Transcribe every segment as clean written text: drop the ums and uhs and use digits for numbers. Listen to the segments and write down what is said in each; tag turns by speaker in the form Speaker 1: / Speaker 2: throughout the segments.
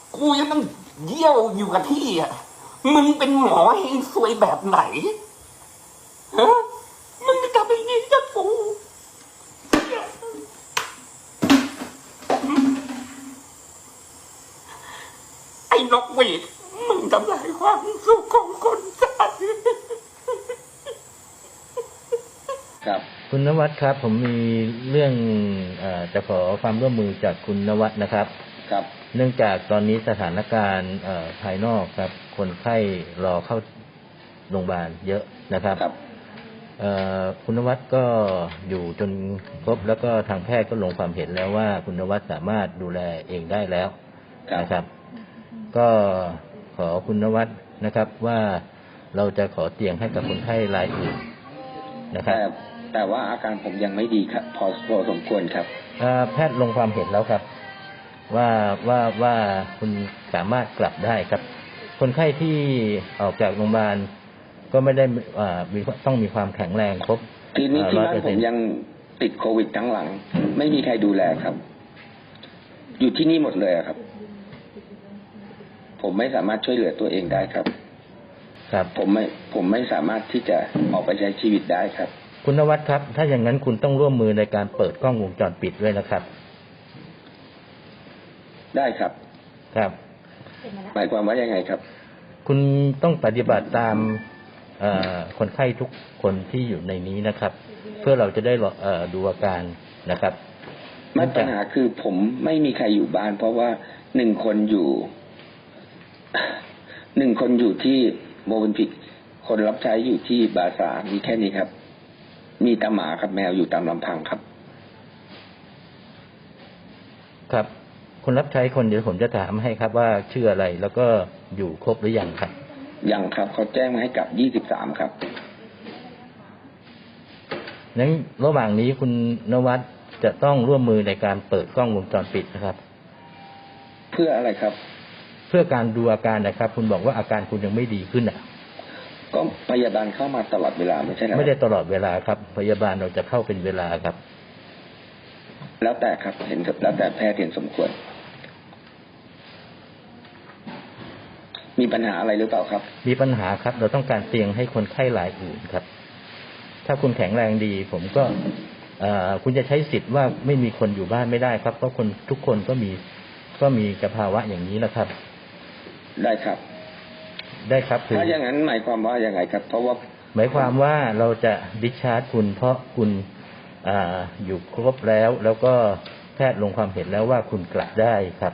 Speaker 1: กูยังต้องเยี่ยวอยู่กับที่อ่ะมึงเป็นหมอให้ซวยแบบไหนฮะมึงจะทำอย่างนี้กับกูไอ้นกหวีดมึงทำลายความสุขของคนไทย
Speaker 2: ครับ
Speaker 3: คุณนวัดครับผมมีเรื่องจะขอความร่วมมือจากคุณนวัดนะครับ
Speaker 2: ครับ
Speaker 3: เนื่องจากตอนนี้สถานการณ์ภายนอกครับคนไข้รอเข้าโรงพยาบาลเยอะนะครับคุณนวัดก็อยู่จนครบแล้วก็ทางแพทย์ก็ลงความเห็นแล้วว่าคุณนวัดสามารถดูแลเองได้แล้วนะครับก็ขอคุณนวัดนะครับว่าเราจะขอเตียงให้กับคนไข้รายอื่นนะครับ
Speaker 2: แต่ว่าอาการผมยังไม่ดีครับพอสมควรครับ
Speaker 3: แพทย์ลงความเห็นแล้วครับว่าคุณสามารถกลับได้ครับคนไข้ที่ออกจากโรงพยาบาลก็ไม่ได้ต้องมีความแข็งแรงครบ
Speaker 2: ทีนี้ที่บ้านผมยังติดโควิดทั้งหลังไม่มีใครดูแลครับอยู่ที่นี่หมดเลยครับผมไม่สามารถช่วยเหลือตัวเองได้ครับผมไม่สามารถที่จะออกไปใช้ชีวิตได้ครับ
Speaker 3: คุณนวัดครับถ้าอย่างนั้นคุณต้องร่วมมือในการเปิดกล้องวงจรปิดด้วยนะครับ
Speaker 2: ได้ครับ
Speaker 3: ครับ
Speaker 2: หมายความว่ายังไงครับ
Speaker 3: คุณต้องปฏิบัติตามคนไข้ทุกคนที่อยู่ในนี้นะครับเพื่อเราจะได้ดูอาการนะครับ
Speaker 2: ปัญหาคือผมไม่มีใครอยู่บ้านเพราะว่าหนึ่งคนอยู่ที่โมบินพิกคนรับใช้อยู่ที่บาซามีแค่นี้ครับมีตาหมาครับแมวอยู่ตามลำพังครับ
Speaker 3: ครับคนรับใช้คนเดี๋ยวผมจะถามให้ครับว่าชื่ออะไรแล้วก็อยู่ครบหรือยังครับ
Speaker 2: ยังครับเขาแจ้งมาให้กลับ23ครับ
Speaker 3: นั้นระหว่างนี้คุณนวัดจะต้องร่วมมือในการเปิดกล้องวงจรปิดนะครับ
Speaker 2: เพื่ออะไรครับ
Speaker 3: เพื่อการดูอาการนะครับคุณบอกว่าอาการคุณยังไม่ดีขึ้นอ่ะ
Speaker 2: ก็พยาบาลเข้ามาตลอดเวลาไม่ใช่หรอ
Speaker 3: ไม่ได้ตลอดเวลาครับพยาบาลเราจะเข้าเป็นเวลาครับ
Speaker 2: แล้วแต่ครับเห็นแล้วแต่แพทย์เห็นสมควรมีปัญหาอะไรหรือเปล่าครับ
Speaker 3: มีปัญหาครับเราต้องการเตียงให้คนไข้รายอื่นครับถ้าคุณแข็งแรงดีผมก็คุณจะใช้สิทธิ์ว่าไม่มีคนอยู่บ้านไม่ได้ครับเพราะคนทุกคนก็มีสภาวะอย่างนี้นะครับ
Speaker 2: ได้ครับถ้าอย่างนั้นหมายความว่ายังไงครับเพราะว่า
Speaker 3: หมายความว่าเราจะดิสชาร์จคุณเพราะคุณอยู่ครบแล้วก็แพทย์ลงความเห็นแล้วว่าคุณกลับได้ครับ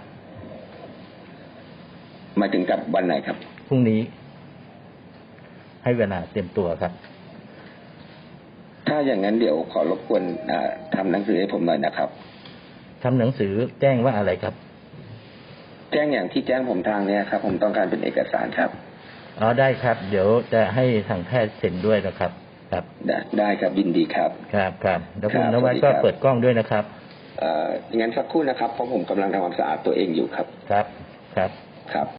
Speaker 2: หมายถึงกลับวันไหนครับ
Speaker 3: พรุ่งนี้ให้เวลาเตรียมตัวครับ
Speaker 2: ถ้าอย่างนั้นเดี๋ยวขอรบกวนทำหนังสือให้ผมหน่อยนะครับ
Speaker 3: ทำหนังสือแจ้งว่าอะไรครับ
Speaker 2: แจ้งอย่างที่แจ้งผมทางนี้ครับผมต้องการเป็นเอกสารครับ
Speaker 3: ได้ครับเดี๋ยวจะให้ทางแพทย์เซ็นด้วยนะครับครับ
Speaker 2: ได้ครับยินดีครับ
Speaker 3: ครับแล้วคุณนวัดก็เปิดกล้องด้วยนะครับ
Speaker 2: งั้นสักครู่นะครับเพราะผมกำลังทำความสะอาดตัวเองอยู่ครับ
Speaker 3: ครับ